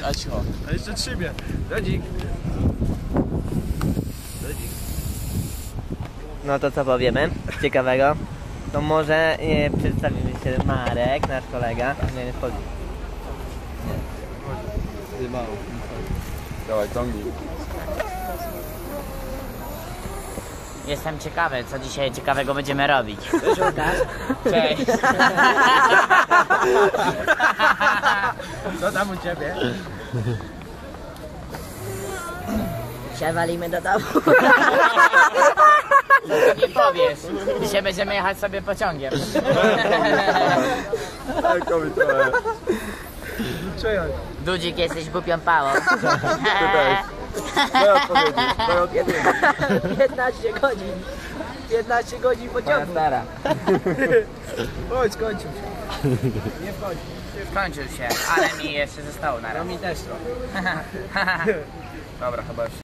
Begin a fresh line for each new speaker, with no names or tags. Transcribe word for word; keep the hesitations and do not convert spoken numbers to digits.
a cicho.
A jeszcze trzymie. Dodzik. Dodzik.
No to co powiemy ciekawego? To może e, przedstawimy się Marek, nasz kolega. Nie, nie wchodzi.
Nie mało. Dawaj, ciągnij.
Jestem ciekawy, co dzisiaj ciekawego będziemy robić.
Cześć Łukasz.
Cześć.
Co tam u ciebie?
Dzisiaj walimy do domu.
Nie powiesz. Dzisiaj będziemy jechać sobie pociągiem.
Tak, kobiet trochę.
Cześć.
Dudzik, jesteś głupią pałą.
Ty też. Daj odpowiedzi, daj odpowiedzi.
piętnaście godzin. piętnaście godzin pociągu.
Stara.
Chodź, skończył się. Nie wchodź.
Skończył się, ale mi jeszcze zostało na
No
raz.
mi też trochę.
Dobra, chyba już.